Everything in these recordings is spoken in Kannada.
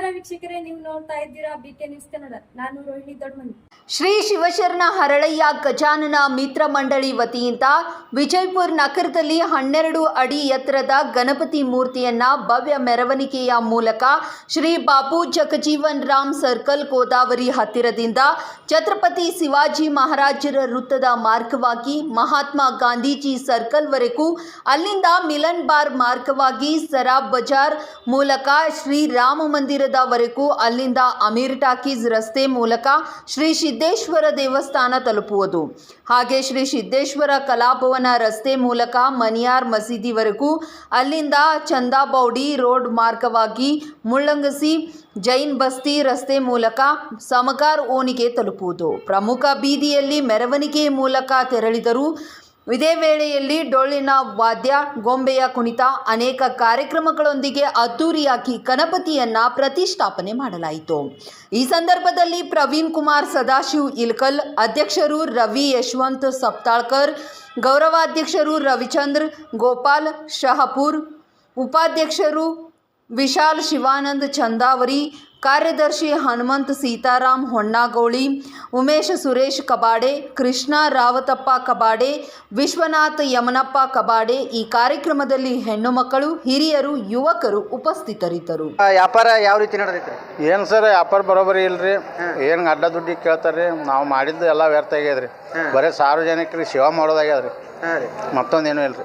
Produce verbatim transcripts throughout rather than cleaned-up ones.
ವೀಕ್ಷಕರೇ, ನೀವು ನೋಡ್ತಾ ಇದ್ದೀರಾ ಬಿಕೆ ನ್ಯೂಸ್ ಕನ್ನಡ. ನಾನು ರೋಹಿಣಿ ದೊಡ್ಡಮನಿ. ಶ್ರೀ ಶಿವಶರಣ ಹರಳಯ್ಯ ಗಜಾನನ ಮಿತ್ರ ಮಂಡಳಿ ವತಿಯಿಂದ ವಿಜಯಪುರ ನಗರದಲ್ಲಿ ಹನ್ನೆರಡು ಅಡಿ ಎತ್ತರದ ಗಣಪತಿ ಮೂರ್ತಿಯನ್ನ ಭವ್ಯ ಮೆರವಣಿಗೆಯ ಮೂಲಕ ಶ್ರೀ ಬಾಬು ಜಗಜೀವನ್ ರಾಮ್ ಸರ್ಕಲ್ ಗೋದಾವರಿ ಹತ್ತಿರದಿಂದ ಛತ್ರಪತಿ ಶಿವಾಜಿ ಮಹಾರಾಜರ ವೃತ್ತದ ಮಾರ್ಗವಾಗಿ ಮಹಾತ್ಮ ಗಾಂಧೀಜಿ ಸರ್ಕಲ್ವರೆಗೂ, ಅಲ್ಲಿಂದ ಮಿಲನ್ ಬಾರ್ ಮಾರ್ಗವಾಗಿ ಸರಾಬ್ ಬಜಾರ್ ಮೂಲಕ ಶ್ರೀ ರಾಮ ಮಂದಿರದವರೆಗೂ, ಅಲ್ಲಿಂದ ಅಮೀರ್ ಟಾಕೀಸ್ ರಸ್ತೆ ಮೂಲಕ ಶ್ರೀ ಸಿದ್ದೇಶ್ವರ ದೇವಸ್ಥಾನ ತಲುಪುವುದು. ಹಾಗೆ ಶ್ರೀ ಸಿದ್ದೇಶ್ವರ ಕಲಾಭವನ ರಸ್ತೆ ಮೂಲಕ ಮನಿಯಾರ್ ಮಸೀದಿವರೆಗೂ, ಅಲ್ಲಿಂದ ಚಂದಾಬೌಡಿ ರೋಡ್ ಮಾರ್ಗವಾಗಿ ಮುಳ್ಳಂಗಸಿ ಜೈನ್ ಬಸ್ತಿ ರಸ್ತೆ ಮೂಲಕ ಸಮಗಾರ್ ಓಣಿಗೆ ತಲುಪುವುದು. ಪ್ರಮುಖ ಬೀದಿಯಲ್ಲಿ ಮೆರವಣಿಗೆ ಮೂಲಕ ತೆರಳಿದರು. ಇದೇ ವೇಳೆಯಲ್ಲಿ ಡೊಳ್ಳಿನ ವಾದ್ಯ, ಗೊಂಬೆಯ ಕುಣಿತ, ಅನೇಕ ಕಾರ್ಯಕ್ರಮಗಳೊಂದಿಗೆ ಅದ್ದೂರಿಯಾಗಿ ಗಣಪತಿಯನ್ನ ಪ್ರತಿಷ್ಠಾಪನೆ ಮಾಡಲಾಯಿತು. ಈ ಸಂದರ್ಭದಲ್ಲಿ ಪ್ರವೀಣ್ ಕುಮಾರ್ ಸದಾಶಿವ್ ಇಲ್ಕಲ್, ಅಧ್ಯಕ್ಷರು ರವಿ ಯಶವಂತ್ ಸಪ್ತಾಳ್ಕರ್, ಗೌರವಾಧ್ಯಕ್ಷರು ರವಿಚಂದ್ರ ಗೋಪಾಲ್ ಶಹಪುರ್, ಉಪಾಧ್ಯಕ್ಷರು ವಿಶಾಲ್ ಶಿವಾನಂದ್ ಚಂದಾವರಿ, ಕಾರ್ಯದರ್ಶಿ ಹನುಮಂತ್ ಸೀತಾರಾಮ್ ಹೊಣ್ಣಾಗೋಳಿ, ಉಮೇಶ್ ಸುರೇಶ್ ಕಬಾಡೆ, ಕೃಷ್ಣ ರಾವತಪ್ಪ ಕಬಾಡೆ, ವಿಶ್ವನಾಥ್ ಯಮನಪ್ಪ ಕಬಾಡೆ. ಈ ಕಾರ್ಯಕ್ರಮದಲ್ಲಿ ಹೆಣ್ಣು ಮಕ್ಕಳು, ಹಿರಿಯರು, ಯುವಕರು ಉಪಸ್ಥಿತರಿದ್ದರು. ವ್ಯಾಪಾರ ಯಾವ ರೀತಿ ನಡೆದೈತ್ರಿ? ಏನು ಸರ್, ವ್ಯಾಪಾರ ಬರೋಬರಿ ಇಲ್ರಿ. ಏನು ಅಡ್ಡ ದುಡ್ಡಿ ಕೇಳ್ತಾರ್ರಿ. ನಾವು ಮಾಡಿದ್ದು ಎಲ್ಲ ವ್ಯರ್ಥ ಆಗ್ಯದ್ರಿ. ಬರೀ ಸಾರ್ವಜನಿಕರಿಗೆ ಸೇವಾ ಮಾಡೋದಾಗ್ಯದ್ರಿ, ಮತ್ತೊಂದೇನು ಇಲ್ರಿ.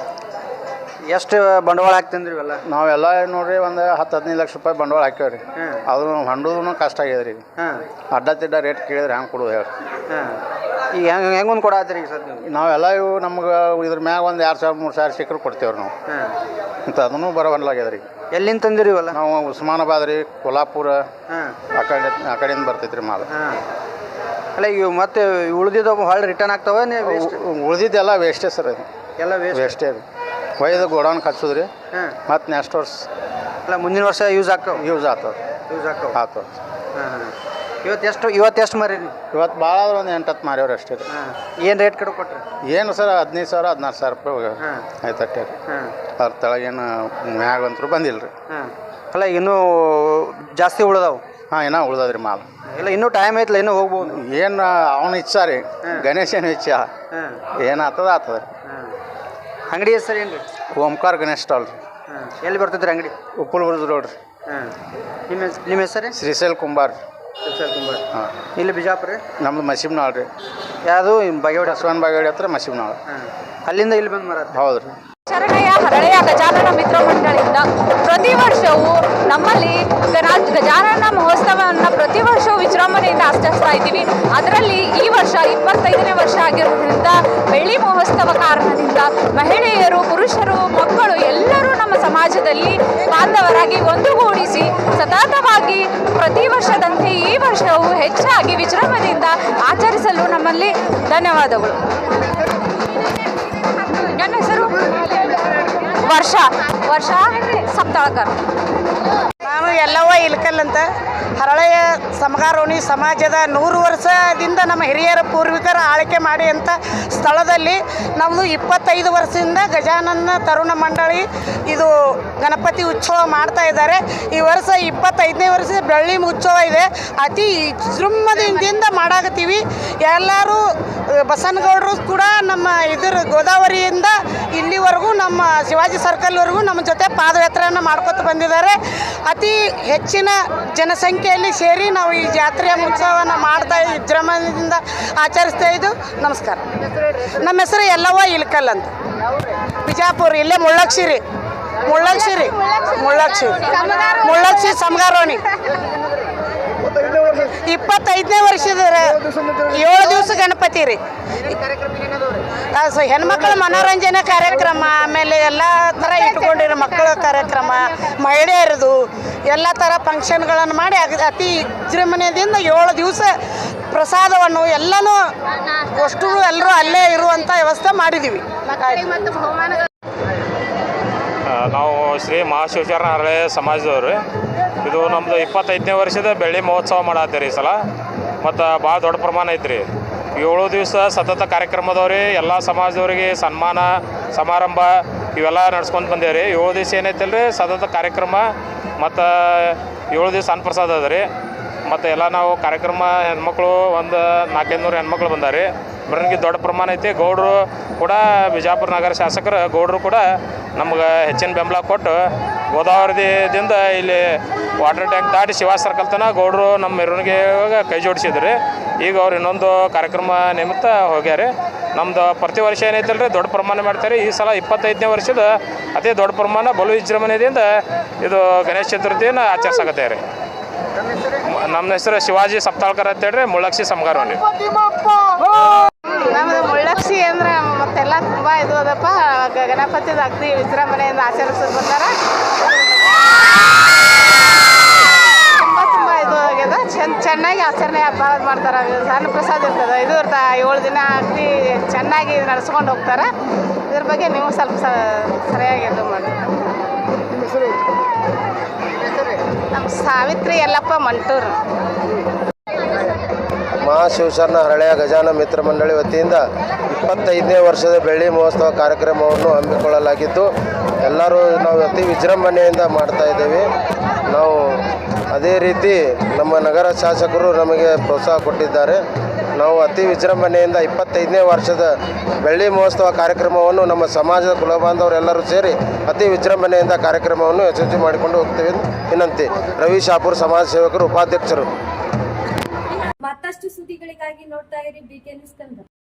ಎಷ್ಟು ಬಂಡವಾಳ ಹಾಕ್ತಂದ್ರಿ ಇವೆಲ್ಲ? ನಾವೆಲ್ಲ ನೋಡ್ರಿ ಒಂದು ಹತ್ತು ಹದಿನೈದು ಲಕ್ಷ ರೂಪಾಯಿ ಬಂಡವಾಳ ಹಾಕ್ಯಾವ್ರಿ. ಅದು ಹಂಡೋದು ಕಷ್ಟ ಆಗ್ಯದ್ರಿ. ಅಡ್ಡ ತಿಡ್ಡ ರೇಟ್ ಕೇಳಿದ್ರೆ ಹೆಂಗೆ ಕೊಡೋದು ಹೇಳ್ರಿ? ಈಗ ಹೆಂಗೆ ಹೆಂಗೊಂದು ಕೊಡತ್ತೀರಿ ಈಗ ಸರ್? ನಾವೆಲ್ಲ ಇವು ನಮ್ಗೆ ಇದ್ರ ಮ್ಯಾಗ ಒಂದು ಎರಡು ಸಾವಿರ ಮೂರು ಸಾವಿರ ಸಿಕ್ಕರು ಕೊಡ್ತೇವ್ರಿ ನಾವು. ಅಂತ ಅದನ್ನು ಬರೋವಲ್ಲಾಗ್ಯದ್ರಿ. ಎಲ್ಲಿಂದ ತಂದಿರಿ ಇವೆಲ್ಲ? ನಾವು ಉಸ್ಮಾನಾಬಾದ್ ರೀ, ಕೊಲ್ಹಾಪುರ ಆ ಕಡೆ ಆ ಕಡೆಯಿಂದ ಬರ್ತೈತ್ರಿ ಮಾಲ್. ಅಲ್ಲ ಈಗ ಮತ್ತೆ ಉಳಿದಿದ್ದು ಹೊಳ್ಳಿ ರಿಟರ್ನ್ ಆಗ್ತಾವ? ಉಳಿದಿದ್ದೆಲ್ಲ ವೇಸ್ಟೇ ಸರ್. ಅದು ಎಲ್ಲ ವೇಸ್ಟ್ ವೇಸ್ಟೇ ರೀ. ಒಯ್ದು ಗೋಡೌನ್ ಹಚ್ಚೋದ್ರಿ. ಮತ್ತು ನೆಕ್ಸ್ಟ್ ವರ್ಷ ಅಲ್ಲ ಮುಂದಿನ ವರ್ಷ ಯೂಸ್ ಆಗ್ತಾವ? ಯೂಸ್ ಆಗ್ತದೆ. ಯೂಸ್ ಆಗ್ತಾವ ಆಗ್ತದೆ. ಹಾಂ ಹಾಂ ಇವತ್ತು ಎಷ್ಟು ಇವತ್ತು ಎಷ್ಟು ಮಾರಿ ನೀವು? ಇವತ್ತು ಭಾಳ ಆದ್ರೆ ಒಂದು ಎಂಟು ಹತ್ತು ಮಾರ್ಯವ್ರಿ ಅಷ್ಟೇ ರೀ. ಹಾಂ ಏನು ರೇಟ್ ಕಡೆ ಕೊಟ್ರಿ? ಏನು ಸರ್, ಹದಿನೈದು ಸಾವಿರ ಹದಿನಾರು ಸಾವಿರ ರೂಪಾಯಿ ಆಯ್ತು ಅಷ್ಟೇ ರೀ. ಹಾಂ ಅದ್ರ ತೆಳಗೇನು ಮ್ಯಾಗ ಅಂತರೂ ಬಂದಿಲ್ಲ ರೀ. ಹಾಂ ಅಲ್ಲ ಇನ್ನೂ ಜಾಸ್ತಿ ಉಳ್ದಾವು? ಹಾಂ, ಇನ್ನೂ ಉಳ್ದದ್ರಿ ಮಾಲ್. ಇಲ್ಲ ಇನ್ನೂ ಟೈಮ್ ಐತಲ್ಲ, ಇನ್ನೂ ಹೋಗ್ಬೋದು. ಏನು ಅವನ ಇಚ್ಛಾ ರೀ, ಗಣೇಶನ ಇಚ್ಛಾ. ಹಾಂ ಏನು ಆಗ್ತದ ಆಗ್ತದ ರೀ. ಹಾಂ ಅಂಗಡಿ ಹೆಸರು ಏನು ರೀ? ಓಂಕಾರ ಗಣೇಶ್ ಸ್ಟಾಲ್ ರೀ. ಹಾಂ ಎಲ್ಲಿ ಬರ್ತೈತೆ ಅಂಗಡಿ? ಉಪ್ಪುಳ ಬುರ್ಜ್ ರೋಡ್ ರೀ. ಹಾಂ ನಿಮ್ಮ ನಿಮ್ಮ ಹೆಸರು? ಶ್ರೀಶೈಲ್ ಕುಂಬಾರ್. ಶ್ರೀಶೈಲ್ ಕುಂಬಾರ್. ಹಾಂ, ಇಲ್ಲಿ ಬಿಜಾಪುರ? ನಮ್ದು ಮಸೀಬ್ನಾಳ್ ರೀ. ಯಾವುದು ಬಾಗೇವಾಡಿ? ಬಸವನ ಬಾಗೇವಾಡಿ ಹತ್ರ ಮಸೀಬ್ನಾಳ್. ಹಾಂ ಅಲ್ಲಿಂದ ಇಲ್ಲಿ ಬಂದು ಮರ? ಹೌದು ರೀ. ಶರಣಯ್ಯ ಹರಳಯ್ಯ ಗಜಾನನ ಮಿತ್ರ ಮಂಡಳಿಯಿಂದ ಪ್ರತಿ ವರ್ಷವೂ ನಮ್ಮಲ್ಲಿ ಗಜಾನನ ಮಹೋತ್ಸವವನ್ನು ಪ್ರತಿ ವರ್ಷವೂ ವಿಜೃಂಭಣೆಯಿಂದ ಆಚರಿಸ್ತಾ ಇದ್ದೀವಿ. ಅದರಲ್ಲಿ ಈ ವರ್ಷ ಇಪ್ಪತ್ತೈದನೇ ವರ್ಷ ಆಗಿರೋದ್ರಿಂದ ಬೆಳ್ಳಿ ಮಹೋತ್ಸವ ಕಾರಣದಿಂದ ಮಹಿಳೆಯರು, ಪುರುಷರು, ಮಕ್ಕಳು ಎಲ್ಲರೂ ನಮ್ಮ ಸಮಾಜದಲ್ಲಿ ಬಾಂಧವರಾಗಿ ಒಂದುಗೂಡಿಸಿ ಸತತವಾಗಿ ಪ್ರತಿ ವರ್ಷದಂತೆ ಈ ವರ್ಷವೂ ಹೆಚ್ಚಾಗಿ ವಿಜೃಂಭಣೆಯಿಂದ ಆಚರಿಸಲು ನಮ್ಮಲ್ಲಿ ಧನ್ಯವಾದಗಳು. ನನ್ನ ಹೆಸರು ವರ್ಷ ವರ್ಷ ಸಪ್ತಾಳ್ಕರ್. ನಾನು ಎಲ್ಲವ್ವ ಇಲ್ಕಲ್ ಅಂತ ಹರಳಯ್ಯ ಸಮಗಾರೋಣಿ ಸಮಾಜದ ನೂರು ವರ್ಷದಿಂದ ನಮ್ಮ ಹಿರಿಯರ ಪೂರ್ವಿಕರ ಆಳ್ಕೆ ಮಾಡಿ ಅಂತ ಸ್ಥಳದಲ್ಲಿ ನಮ್ಮದು ಇಪ್ಪತ್ತೈದು ವರ್ಷದಿಂದ ಗಜಾನನ ತರುಣ ಮಂಡಳಿ ಇದು ಗಣಪತಿ ಉತ್ಸವ ಮಾಡ್ತಾ ಇದ್ದಾರೆ. ಈ ವರ್ಷ ಇಪ್ಪತ್ತೈದನೇ ವರ್ಷದ ಬೆಳ್ಳಿ ಉತ್ಸವ ಇದೆ. ಅತಿ ವಿಜೃಂಭಣೆಯಿಂದ ಮಾಡಾಕತ್ತೀವಿ. ಎಲ್ಲರೂ ಬಸನಗೌಡರು ಕೂಡ ನಮ್ಮ ಇದ್ರ ಗೋದಾವರಿಯಿಂದ ಇಲ್ಲಿವರೆಗೂ ನಮ್ಮ ಶಿವಾಜಿ ಸರ್ಕಲ್ವರೆಗೂ ನಮ್ಮ ಜೊತೆ ಪಾದಯಾತ್ರೆಯನ್ನು ಮಾಡ್ಕೊತ ಬಂದಿದ್ದಾರೆ. ಅತಿ ಹೆಚ್ಚಿನ ಜನಸಂಖ್ಯೆಯಲ್ಲಿ ಸೇರಿ ನಾವು ಈ ಜಾತ್ರೆಯ ಉತ್ಸವವನ್ನು ಮಾಡ್ತಾ ವಿಜೃಂಭಣೆಯಿಂದ ಆಚರಿಸ್ತಾ ಇದ್ದು. ನಮಸ್ಕಾರ. ನಮ್ಮ ಹೆಸರು ಎಲ್ಲವ್ವ ಇಲ್ಕಲ್ ಅಂತ, ಬಿಜಾಪುರ. ಇಲ್ಲೇ ಮುಳ್ಳಕ್ಷಿರಿ ಮುಳ್ಳಕ್ಷಿರಿ ಮುಳ್ಳಕ್ಷಿ ಮುಳ್ಳಕ್ಷಿ ಸಮಗಾರೋಣಿ. ಇಪ್ಪತ್ತೈದನೇ ವರ್ಷದ ಏಳು ದಿವಸ ಗಣಪತಿ ರೀ. ಹೆಣ್ಮಕ್ಳ ಮನೋರಂಜನೆ ಕಾರ್ಯಕ್ರಮ, ಆಮೇಲೆ ಎಲ್ಲ ಥರ ಇಟ್ಕೊಂಡಿರೋ ಮಕ್ಕಳ ಕಾರ್ಯಕ್ರಮ, ಮಹಿಳೆಯರದು ಎಲ್ಲ ಥರ ಫಂಕ್ಷನ್ಗಳನ್ನು ಮಾಡಿ ಅತಿ ವಿಜೃಂಭಣೆಯಿಂದ ಏಳು ದಿವಸ ಪ್ರಸಾದವನ್ನು ಎಲ್ಲನೂ ಅಷ್ಟು ಎಲ್ಲರೂ ಅಲ್ಲೇ ಇರುವಂಥ ವ್ಯವಸ್ಥೆ ಮಾಡಿದ್ದೀವಿ. ನಾವು ಶ್ರೀ ಮಹಾಶಿವಶರಣ ಹರಳಯ್ಯ ಸಮಾಜದವ್ರು. ಇದು ನಮ್ಮದು ಇಪ್ಪತ್ತೈದನೇ ವರ್ಷದ ಬೆಳ್ಳಿ ಮಹೋತ್ಸವ ಮಾಡತ್ತೀರಿ ಈ ಸಲ. ಮತ್ತು ಭಾಳ ದೊಡ್ಡ ಪ್ರಮಾಣ ಐತ್ರಿ. ಏಳು ದಿವಸ ಸತತ ಕಾರ್ಯಕ್ರಮದವ್ರಿ ಎಲ್ಲ ಸಮಾಜದವ್ರಿಗೆ ಸನ್ಮಾನ ಸಮಾರಂಭ ಇವೆಲ್ಲ ನಡ್ಸ್ಕೊಂಡು ಬಂದೇವ್ರಿ. ಏಳು ದಿವಸ ಏನೈತಲ್ಲ ರೀ ಸತತ ಕಾರ್ಯಕ್ರಮ ಮತ್ತು ಏಳು ದಿವಸ ಅನ್ನಪ್ರಸಾದ ಅದ ರೀ. ಮತ್ತು ಎಲ್ಲ ನಾವು ಕಾರ್ಯಕ್ರಮ ಹೆಣ್ಮಕ್ಳು ಒಂದು ನಾಲ್ಕೈದು ನೂರು ಹೆಣ್ಮಕ್ಳು ಬಂದಾರೆ. ಬರೋನಿಗೆ ದೊಡ್ಡ ಪ್ರಮಾಣ ಐತಿ. ಗೌಡರು ಕೂಡ ಬಿಜಾಪುರ ನಗರ ಶಾಸಕರು ಗೌಡರು ಕೂಡ ನಮ್ಗೆ ಹೆಚ್ಚಿನ ಬೆಂಬಲ ಕೊಟ್ಟು ಗೋದಾವರಿದಿಂದ ಇಲ್ಲಿ ವಾಟರ್ ಟ್ಯಾಂಕ್ ದಾಟಿ ಶಿವಾ ಸರ್ಕಲ್ ತನಕ ಗೌಡರು ನಮ್ಮ ಮೆರವಣಿಗೆ ಕೈ ಜೋಡಿಸಿದ್ರಿ. ಈಗ ಅವ್ರು ಇನ್ನೊಂದು ಕಾರ್ಯಕ್ರಮ ನಿಮಿತ್ತ ಹೋಗ್ಯಾರೆ. ನಮ್ಮದು ಪ್ರತಿ ವರ್ಷ ಏನೈತಲ್ಲ ರೀ ದೊಡ್ಡ ಪ್ರಮಾಣ ಮಾಡ್ತಾರೆ. ಈ ಸಲ ಇಪ್ಪತ್ತೈದನೇ ವರ್ಷದ ಅತಿ ದೊಡ್ಡ ಪ್ರಮಾಣ ಬಲು ವಿಜೃಂಭಣೆಯಿಂದ ಇದು ಗಣೇಶ ಚತುರ್ಥಿಯನ್ನು ಆಚರಿಸಾಕತ್ತೆ ರೀ. ನಮ್ಮ ಹೆಸರು ಶಿವಾಜಿ ಸಪ್ತಾಳ್ಕರ್ ಅಂತೇಳ್ರಿ, ಮುಳ್ಳಕ್ಷಿ ಸಮಗಾರವನಿ. ನಮ್ಮದು ಮುಳ್ಳಕ್ಷಿ ಅಂದ್ರೆ ಮತ್ತೆಲ್ಲ ತುಂಬ ಇದು ಅದಪ್ಪ. ಗಣಪತಿದ ಅಗ್ದಿ ವಿಜೃಂಭಣೆಯಿಂದ ಆಚರಿಸೋದು ಬರ್ತಾರ. ತುಂಬ ತುಂಬ ಇದು ಆಗ್ಯದ. ಚೆನ್ನ ಚೆನ್ನಾಗಿ ಆಚರಣೆ ಭಾಳ ಮಾಡ್ತಾರೆ. ಅನ್ನ ಪ್ರಸಾದ ಇರ್ತದೆ. ಇದು ಇರ್ತಾ ಏಳು ದಿನ ಅಗ್ದಿ ಚೆನ್ನಾಗಿ ನಡೆಸ್ಕೊಂಡು ಹೋಗ್ತಾರೆ. ಇದ್ರ ಬಗ್ಗೆ ನೀವು ಸ್ವಲ್ಪ ಸರಿಯಾಗಿ ಇದು ಮಾಡಿ. ನಮ್ಮ ಸಾವಿತ್ರಿ ಯಲ್ಲಪ್ಪ ಮಂಟೂರು. ಮಹಾಶಿವಶರಣ ಹರಳೆಯ ಗಜಾನ ಮಿತ್ರ ಮಂಡಳಿ ವತಿಯಿಂದ ಇಪ್ಪತ್ತೈದನೇ ವರ್ಷದ ಬೆಳ್ಳಿ ಮಹೋತ್ಸವ ಕಾರ್ಯಕ್ರಮವನ್ನು ಹಮ್ಮಿಕೊಳ್ಳಲಾಗಿದ್ದು ಎಲ್ಲರೂ ನಾವು ಅತಿ ವಿಜೃಂಭಣೆಯಿಂದ ಮಾಡ್ತಾ ಇದ್ದೇವೆ. ನಾವು ಅದೇ ರೀತಿ ನಮ್ಮ ನಗರ ಶಾಸಕರು ನಮಗೆ ಪ್ರೋತ್ಸಾಹ ಕೊಟ್ಟಿದ್ದಾರೆ. ನಾವು ಅತಿ ವಿಜೃಂಭಣೆಯಿಂದ ಇಪ್ಪತ್ತೈದನೇ ವರ್ಷದ ಬೆಳ್ಳಿ ಮಹೋತ್ಸವ ಕಾರ್ಯಕ್ರಮವನ್ನು ನಮ್ಮ ಸಮಾಜದ ಕುಲಬಾಂಧವರೆಲ್ಲರೂ ಸೇರಿ ಅತಿ ವಿಜೃಂಭಣೆಯಿಂದ ಕಾರ್ಯಕ್ರಮವನ್ನು ಯಶಸ್ವಿ ಮಾಡಿಕೊಂಡು ಹೋಗ್ತೇವೆ ವಿನಂತಿ. ರವಿ ಶಾಪುರ್ ಸಮಾಜ ಸೇವಕರು, ಉಪಾಧ್ಯಕ್ಷರು. ಮತ್ತಷ್ಟು ಸುದ್ದಿಗಳಿಗಾಗಿ ನೋಡ್ತಾ ಇರಿ ಬಿ ಕೆ ನ್ಯೂಸ್ ಕನ್ನಡ.